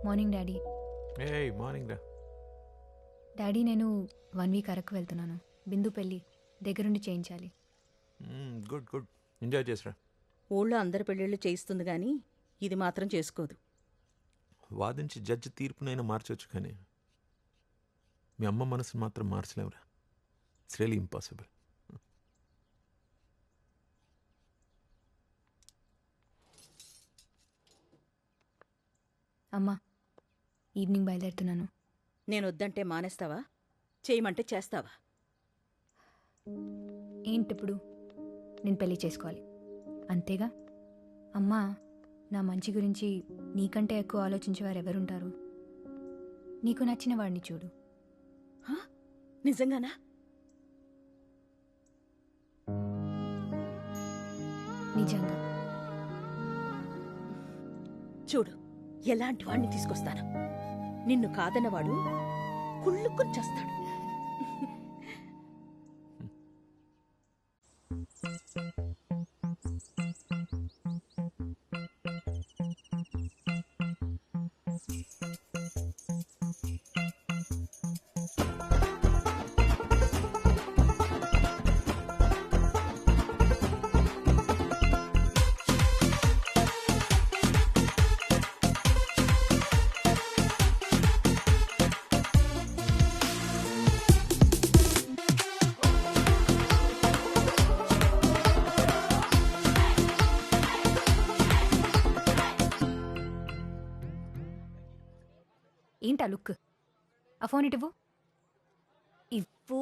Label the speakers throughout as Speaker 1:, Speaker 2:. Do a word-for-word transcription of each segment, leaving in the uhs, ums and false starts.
Speaker 1: Morning daddy.
Speaker 2: ఏ morning రా.
Speaker 1: Daddy నేను వన్ వీక్ అరకు వెళ్తున్నాను. బిందు పెళ్ళి దగ్గరుండి చేయించాలి.
Speaker 2: గుడ్ గుడ్ ఎంజాయ్ చేసిరా.
Speaker 3: ఊళ్ళో అందరి పెళ్ళిళ్ళు చేయిస్తుంది కానీ ఇది మాత్రం చేసుకోదు.
Speaker 2: వాదించి జడ్జి తీర్పునైనా మార్చవచ్చు కానీ మీ అమ్మ మనసుని మాత్రం మార్చలేవురా. It's really impossible.
Speaker 1: అమ్మా ఈవినింగ్ బయలుదేరుతున్నాను.
Speaker 3: నేను వద్దంటే మానేస్తావా? చేయమంటే చేస్తావా?
Speaker 1: ఏంటిప్పుడు? నేను పెళ్లి చేసుకోవాలి అంతేగా. అమ్మా నా మంచి గురించి నీకంటే ఎక్కువ ఆలోచించేవారు ఎవరుంటారు? నీకు నచ్చిన వాడిని చూడు.
Speaker 3: హా? నిజంగానా?
Speaker 1: నిజంగా.
Speaker 3: చూడు ఎలాంటి వాడిని తీసుకొస్తాను. నిన్ను కాదన్నవాడు కుళ్ళుకుని చేస్తాడు.
Speaker 1: ఏంటా లుక్? ఆ ఫోన్ ఇటువు. ఇవ్వు.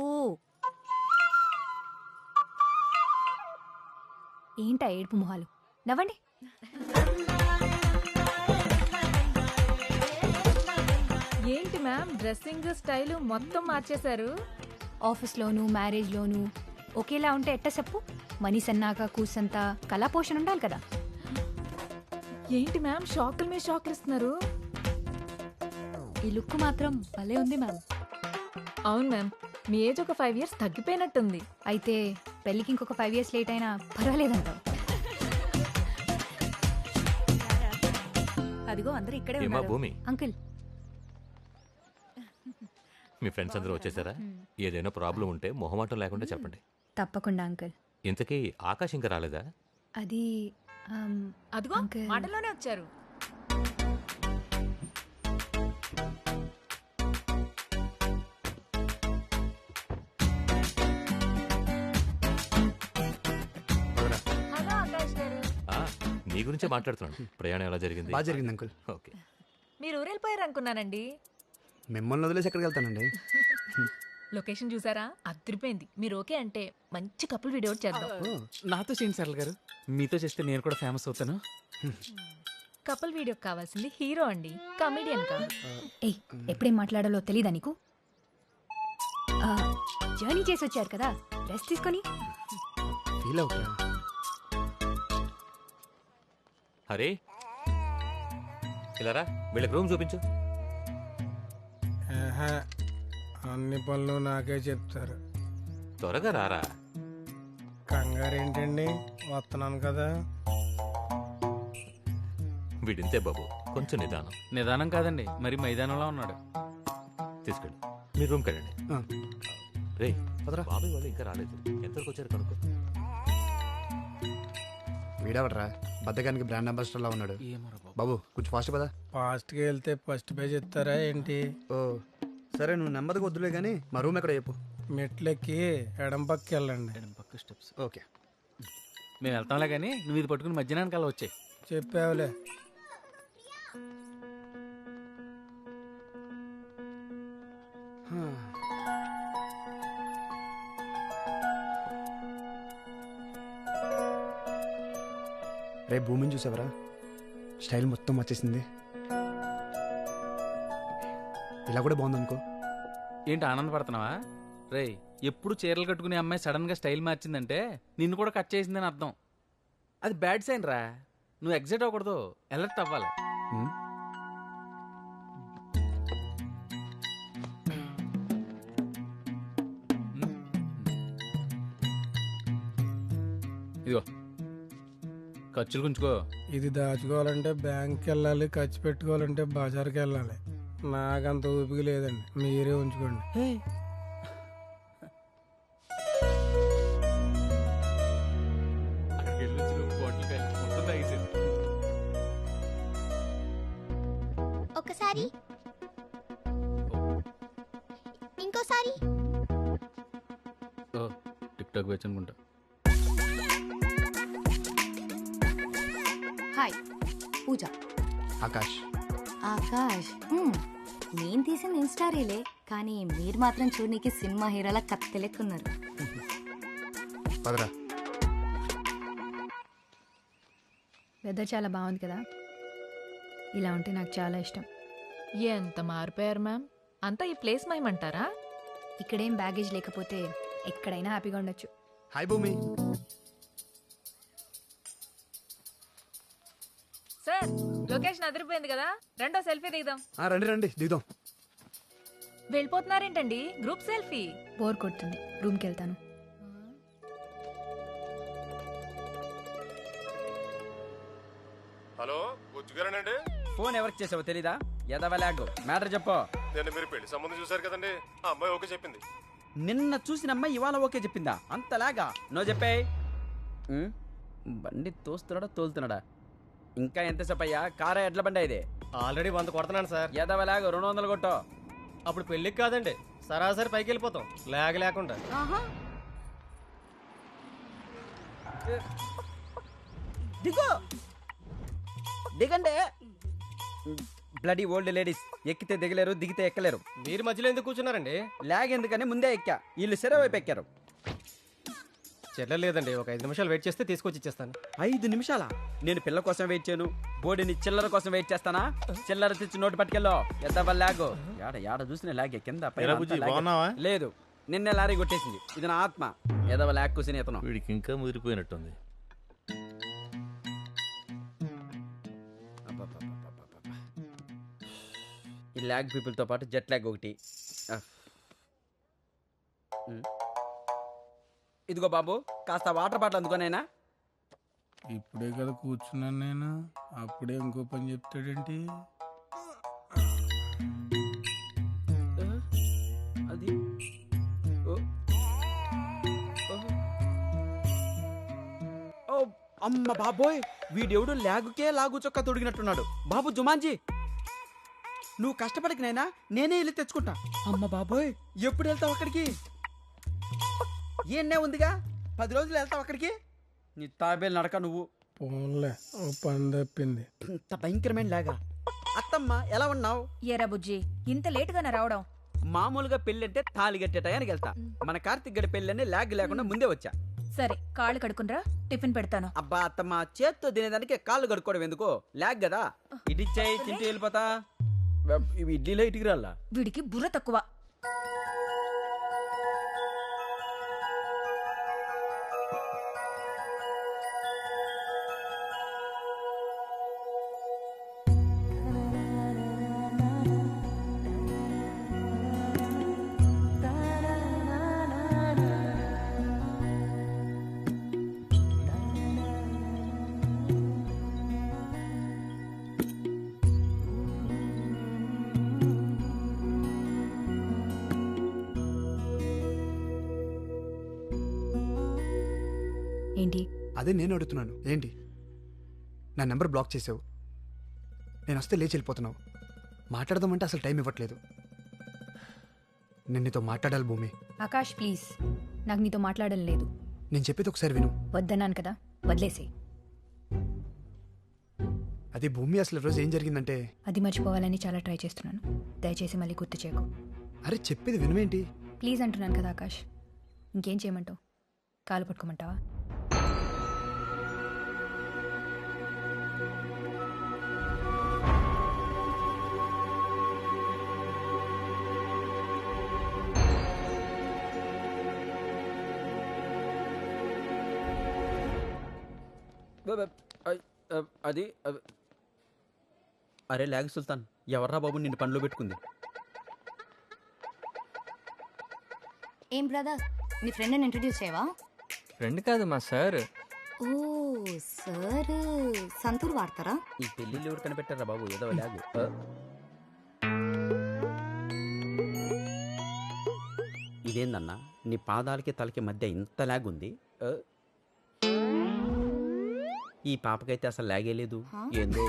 Speaker 1: ఏంటా ఏడుపు మొహాలు? నవ్వండి.
Speaker 4: ఏంటి మ్యామ్ డ్రెస్సింగ్ స్టైల్ మొత్తం మార్చేశారు?
Speaker 1: ఆఫీస్లోను మ్యారేజ్లోను ఒకేలా ఉంటే ఎట్ట చెప్పు? మనీ సన్నాక కూసంత కళా పోషణ ఉండాలి కదా.
Speaker 4: ఏంటి మ్యామ్ షాకుల మీద షాకులు ఇస్తున్నారు?
Speaker 1: ఈ లుక్ మాత్రం భలే ఉంది మ్యామ్.
Speaker 4: అవును మ్యామ్, మీ ఏజ్ ఒక ఫైవ్ ఇయర్స్ తగ్గిపోయినట్టుంది.
Speaker 1: అయితే పెళ్ళికి ఇంకొక ఫైవ్ ఇయర్స్ లేట్ అయినా పర్వాలేదంటావు?
Speaker 3: అదిగో అందరూ ఇక్కడే
Speaker 5: ఏమా
Speaker 3: ఉన్నారు.
Speaker 5: భూమి,
Speaker 1: అంకుల్.
Speaker 5: మీ ఫ్రెండ్స్ అందరూ వచ్చేసారా? ఏదైనా ప్రాబ్లం ఉంటే మొహమాటం లేకుండా చెప్పండి.
Speaker 1: తప్పకుండా అంకుల్.
Speaker 5: ఇంతకీ ఆకాశ్ ఇంకా రాలేదా?
Speaker 1: అది ఆమ్,
Speaker 4: అదిగో
Speaker 1: అంకుల్.
Speaker 4: మాటల్లోనే వచ్చారు. హలో ఆకాష్ గారు.
Speaker 5: ఆ, నీ గురించే మాట్లాడుతున్నాను. ప్రయాణం ఎలా జరిగింది?
Speaker 6: బాగా జరిగింది అంకుల్.
Speaker 5: ఓకే.
Speaker 4: మీరు ఊరెళ్ళిపోయారు అనుకున్నానండి.
Speaker 6: మిమ్మల్ని వదిలేసి ఎక్కడికి వెళ్తానండి?
Speaker 4: లొకేషన్ చూసారా? అదిరిపోయింది. మీరు ఓకే అంటే మంచి కపుల్ వీడియో చేద్దాం.
Speaker 7: నాతో చేయండి సరళ గారు, మీతో చేస్తే నేను కూడా ఫేమస్ అవుతాను.
Speaker 4: కపుల్ వీడియో కావాల్సింది హీరో అండి, కమెడియన్ కాదు.
Speaker 1: ఏయ్ ఎప్పుడేం మాట్లాడాలో తెలీదా నీకు? ఆ, జర్నీ చేసి వచ్చారు కదా, రెస్ట్ తీసుకొని.
Speaker 6: ఫీల్ అవుతా.
Speaker 5: హరే ఇలా రా, వీళ్ళకి రూమ్ చూపించు.
Speaker 8: అన్ని పనులు నాకే చెప్తారు.
Speaker 5: త్వరగా రారా.
Speaker 8: కంగారు ఏంటండి, వస్తున్నాను కదా.
Speaker 5: వీడింతే బాబు, కొంచెం నిదానం.
Speaker 7: నిదానం కాదండి, మరి మైదానంలో ఉన్నాడు.
Speaker 5: తీసుకెళ్ళి మీ రూమ్కి వెళ్ళండి. రే బాబాయ్ వాళ్ళు ఇంకా రాలేదు, ఎంతవరకు వచ్చారు కనుక్కో.
Speaker 6: వీడవడరా బద్దకానికి బ్రాండ్ అంబాసిడర్ లా ఉన్నాడు. బాబు కొంచెం ఫాస్ట్ కదా.
Speaker 8: ఫాస్ట్గా వెళ్తే ఫస్ట్ పేజ్ ఇస్తారా ఏంటి?
Speaker 6: ఓ సరే, నువ్వు నెమ్మదిగా వద్దులే కానీ మా రూమ్ ఎక్కడ చెప్పు.
Speaker 8: మెట్లెక్కి ఎడం పక్కకి వెళ్ళండి.
Speaker 7: ఎడం పక్క స్టెప్స్.
Speaker 6: ఓకే,
Speaker 7: మేము వెళ్తాంలే కానీ నువ్వు ఇది పట్టుకుని మధ్యాహ్నానికి అలా వచ్చాయి.
Speaker 8: చెప్పావులే.
Speaker 6: రేపు భూమిని చూసావరా? స్టైల్ మొత్తం వచ్చేసింది. ఇలా కూడా బాగుందనుకో.
Speaker 7: ఏంటి ఆనందపడుతున్నావా? రే ఎప్పుడు చీరలు కట్టుకునే అమ్మాయి సడన్ గా స్టైల్ మార్చిందంటే నిన్ను కూడా కట్ చేసిందని అర్థం. అది బ్యాడ్ సైన్ రా. నువ్వు ఎగ్జైట్ అవ్వకూడదు, అలర్ట్ అవ్వాలి.
Speaker 6: ఉమ్.
Speaker 7: ఇదిగో ఖర్చులు గుంచుకో.
Speaker 8: ఇది దాచుకోవాలంటే బ్యాంక్కి వెళ్ళాలి, ఖర్చు పెట్టుకోవాలంటే బజార్కి వెళ్ళాలి. నాకంత ఊపిక లేదండి, మీరే ఉంచుకోండి.
Speaker 7: అక్కడికి వెళ్ళి వచ్చి నువ్వు బాటిల్ కాయలు మొత్తం తాగేసాడు.
Speaker 9: ఒకసారి ఇంకోసారి
Speaker 7: ఓ టిక్ టాక్ వచ్చి అనుకుంటా.
Speaker 1: హాయ్, పూజ.
Speaker 6: ఆకాష్.
Speaker 1: ఆకాష్. హ్మ్. నేను తీసిన ఇన్స్టా రీలే, కానీ మీరు మాత్రం చూడనీకి సినిమా హీరోలా కత్తెలెక్కున్నారు.
Speaker 6: పదరా.
Speaker 1: వెదర్ చాలా బాగుంది కదా, ఇలా ఉంటే నాకు చాలా ఇష్టం.
Speaker 4: ఎంత మారిపోయారు మ్యామ్, అంతా ఈ ప్లేస్ మైమంటారా?
Speaker 1: ఇక్కడేం బ్యాగేజ్ లేకపోతే ఎక్కడైనా హ్యాపీగా ఉండొచ్చు.
Speaker 6: హాయ్ భూమి.
Speaker 4: సార్ లొకేషన్ అదిరిపోయింది కదా, రెండో సెల్ఫీ దిగుదాం.
Speaker 6: ఆ, రండి రండి దిగుదాం.
Speaker 4: వెళ్ళిపోతున్నారేంటండి గ్రూప్ సెల్ఫీ?
Speaker 1: బోర్ కొడుతుంది, రూమ్కి వెళ్తాను.
Speaker 10: హలో, గుర్తుగారేనండి?
Speaker 7: ఫోన్ ఎవరికి చేసావో తెలీదా? ఎదవలాగు మ్యాటర్ చెప్పు.
Speaker 10: నేను మీరు పెళ్లి సంబంధం చూసారు కదండి, ఆ అమ్మాయి ఓకే చెప్పింది.
Speaker 7: నిన్న చూసిన అమ్మాయి ఇవాళ ఓకే చెప్పిందా? అంతలాగా నో చెప్పే. బండి తోస్తున్నాడా తోలుతున్నాడా? ఇంకా ఎంతసేపు అయ్యా? కారా ఎడ్ల బండి ఇది?
Speaker 11: ఆల్రెడీ వంద కొడుతున్నాను సార్.
Speaker 7: ఎదవలాగు రెండు వందలు కొట్టో.
Speaker 11: అప్పుడు పెళ్ళికి కాదండి, సరాసరి పైకి వెళ్ళిపోతాం లేక లేకుండా.
Speaker 7: దిగు దిగండి. బ్లడీ ఓల్డ్ లేడీస్, ఎక్కితే దిగలేరు, దిగితే ఎక్కలేరు.
Speaker 11: మీరు మధ్యలో ఎందుకు కూర్చున్నారండి?
Speaker 7: లాగ్ ఎందుకని ముందే ఎక్కా, వీళ్ళు సెర వైపు ఎక్కారు.
Speaker 11: చెల్లెలు లేదండి, ఒక ఐదు నిమిషాలు వెయిట్ చేస్తే తీసుకొచ్చి ఇచ్చేస్తాను.
Speaker 7: ఐదు నిమిషాలా? నేను పిల్ల కోసం వెయిట్ చేయను, బోడిని చిల్లర కోసం వెయిట్ చేస్తానా? చిల్లర తెచ్చి నోటు పట్టుకెళ్ళో. ఎంత లాగు యాడ యాడ చూసిన లాగే కింద పైన అంతా లాగే. లేదు, నిన్నే లారీ కొట్టేసింది. ఇది నా ఆత్మ. ఏదో లాగ్ కూసిన ఇతను.
Speaker 5: వీడికి ఇంకా ముదిరిపోయినట్టుంది.
Speaker 7: ఈ ల్యాగ్ పీపుల్తో పాటు జెట్ ల్యాగ్ ఒకటి. ఇదిగో బాబు, కాస్త వాటర్ బాటిల్ అందుకోనైనా.
Speaker 8: ఇప్పుడే కదా కూర్చున్నాను నేను, అప్పుడే ఇంకో పని చెప్తాడేంటి?
Speaker 7: అది ఓ అమ్మ బాబోయ్, వీడెవడు ల్యాగుకే లాగు చొక్కా తొడిగినట్టున్నాడు. బాబు జుమాన్జీ, నువ్వు కష్టపడికి నైనా నేనే వెళ్ళి తెచ్చుకుంటా. అమ్మ బాబోయ్, ఎప్పుడు వెళ్తావు అక్కడికి? ఏనే ఉందిగా, పది రోజులు వెళ్తావు అక్కడికి. నీ తాబేలు నడక నువ్వు.
Speaker 8: పోన్లే, ఓ పని తప్పింది.
Speaker 7: ఇంత భయంకరమైన లాగా. అత్తమ్మ ఎలా ఉన్నావు?
Speaker 1: ఏరా బుజ్జి, ఇంత లేటుగానే రావడం?
Speaker 7: మామూలుగా పెళ్ళి అంటే తాళి కట్టే టయానికి వెళ్తా. మన కార్తిక్ గడి పెళ్ళి అని లాగ్ లేకుండా ముందే వచ్చా.
Speaker 1: సరే, కాళ్ళు కడుకునరా, టిఫిన్ పెడతాను.
Speaker 7: అబ్బా అత్తమ్మ, చేత్తో తినేదానికి కాళ్ళు కడుక్కోవడం ఎందుకు? లాగ్ కదా. ఇడిచ్చాయి, తింటూ వెళ్ళిపోతా. ఇవి ఇడ్లీలో ఇటుకి రాలా?
Speaker 1: వీడికి బుర్ర తక్కువ. ఏంటి?
Speaker 6: అదే నేను అడుగుతున్నాను, ఏంటి? నా నెంబర్ బ్లాక్ చేసావు, నేను వస్తే లేచి వెళ్ళిపోతున్నావు. మాట్లాడదామంటే అసలు టైం ఇవ్వట్లేదు. నేను నీతో మాట్లాడాలి భూమి.
Speaker 1: ఆకాష్ ప్లీజ్, నాకు నీతో మాట్లాడడం లేదు.
Speaker 6: నేను చెప్పేది ఒకసారి విను.
Speaker 1: వద్దన్నాను కదా, వదిలేసే.
Speaker 6: అది భూమి, అసలు రోజు ఏం జరిగిందంటే,
Speaker 1: అది మర్చిపోవాలని చాలా ట్రై చేస్తున్నాను. దయచేసి మళ్ళీ గుర్తు చేయకు.
Speaker 6: అరే చెప్పేది వినువేంటి?
Speaker 1: ప్లీజ్ అంటున్నాను కదా ఆకాష్. ఇంకేం చేయమంటావు? కాలు పట్టుకోమంటావా?
Speaker 7: అది అరే లాగ్ సుల్తాన్, ఎవర్రా బాబు నిన్ను పనిలో పెట్టుకుంది?
Speaker 1: ఏం బ్రదర్, నీ ఫ్రెండ్ని ఇంట్రడ్యూస్ చేయవా?
Speaker 12: ఫ్రెండ్ కాదు మా సార్.
Speaker 1: ఓ
Speaker 12: సార్ సంతూర్ వాడతారా?
Speaker 7: ఈ పెళ్ళిళ్ళు ఎవరు కనిపెట్టారా బాబు, ఏదో లాగు. ఆ? ఇదేందన్నా నీ పాదాలకి తలకి మధ్య ఇంత లాగ్ ఉంది? ఆ? ఈ పాపకైతే అసలు లాగే లేదు. ఏందో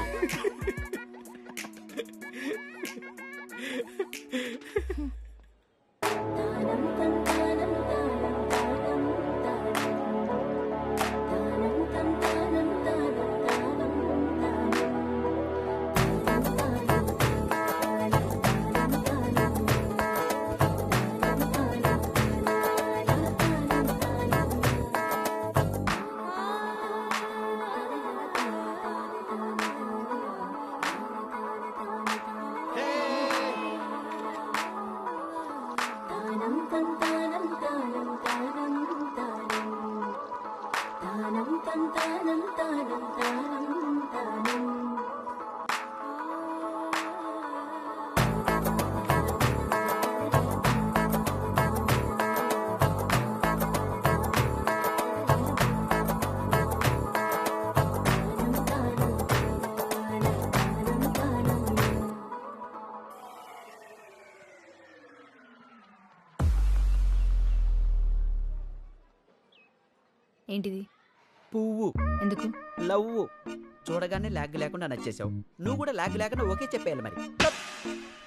Speaker 1: ఏంటిది?
Speaker 7: పువ్వు.
Speaker 1: ఎందుకు?
Speaker 7: లవ్వు. చూడగానే లాగ్ లేకుండా నచ్చేసావు. నువ్వు కూడా లాగ్ లేకుండా ఓకే చెప్పేయాలి మరి.